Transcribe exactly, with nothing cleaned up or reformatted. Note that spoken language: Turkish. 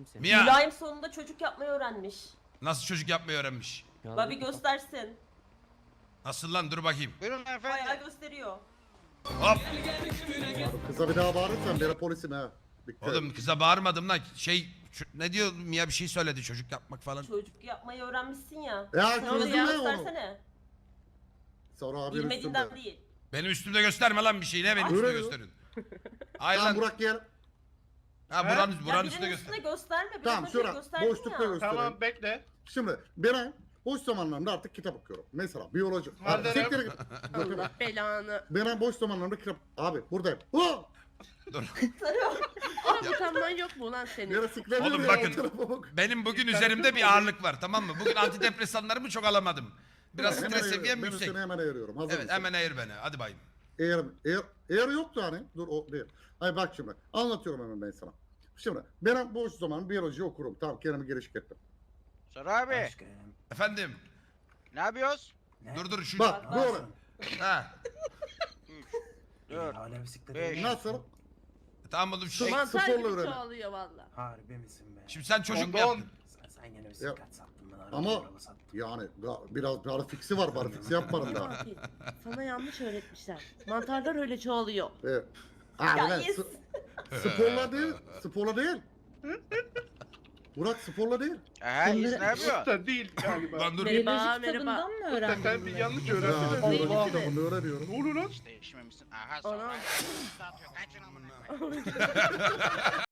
seni. Mia Mülayim sonunda çocuk yapmayı öğrenmiş. nasıl çocuk yapmayı öğrenmiş? Babi göstersin. Nasıl lan, dur bakayım. Buyurun efendim. Bayağı gösteriyor. Hop. Kıza bir daha bağırırsan ben polisim ha. Dikkat. Oğlum kıza bağırmadım lan. Şey şu- ne diyor Mia, bir şey söyledi, çocuk yapmak falan. Çocuk yapmayı öğrenmişsin ya. Ya Sen onu çözdün mü onu? göstersene. Sonra abi üstünde. Bilmediğinden değil. Benim üstümde gösterme lan bir şey, ne benim Öyle üstümde mi? gösterin. Hayır Tamam lan. Burak gel. Ha buranın, Ya buranın birinin üstünde üstüne göster. gösterme. Biraz Tamam önce şura gösterdin boşlukta ya. göstereyim. Tamam bekle. Şimdi ben boş zamanlarımda artık kitap okuyorum. Mesela biyoloji. Abi, Madem- siktir git. Allah belanı. Ben boş zamanlarımda kitap... Abi buradayım. Oh! Ama utanman yok mu lan senin? Yere siklemiyorum Oğlum ya, bakın. o tarafa bak. Benim bugün üzerimde bir ağırlık var, tamam mı? Bugün antidepresanlarımı çok alamadım. Biraz Hemen stres ayırıyorum. seviyem Ben yüksek. seni hemen ayırıyorum. Hazır Evet, mısın? hemen ayır beni. Hadi bayım. Eğer, eğer, eğer yoktu hani. Dur o değil. Ay bak şimdi. Anlatıyorum hemen ben sana. Şimdi ben boş zaman biyoloji okurum. Tamam kendimi gelişik ettim. Soru abi. Aşkım. Efendim. Ne yapıyoruz? Ne? Dur dur şu. Bak doğru. Ha. Dur. Hala bisiklet Beş. oynuyorsun. Nasıl? Tamam oğlum şu. Sıvı- Mantar sporla gibi öğren. çoğalıyor valla. Harbi misin be? Şimdi sen çocuk Onda yaptın. on. Sen, sen yine bisiklet sattın bana. araba Ama araba sattın. yani ga- biraz barfiksi var. Barfiksi yapmadım daha. Abi, sana yanlış öğretmişler. Mantarlar öyle çoğalıyor. Evet. Abi Ya ben yes. s- sporla değil. Sporla değil. Burak sporla değil. Aha İz ne yapıyor? Usta değil galiba. Lan dur. Merhaba, Biyoloji merhaba. kitabından mı Usta öğrendin sen bir bunu? yanlış Ya öğrendin. Neydi Allah ki da de? bunu öğreniyorum. Ne oluyor lan? İşte değişmemişsin. Aha Ana. sonra. Kaçın amına koyayım.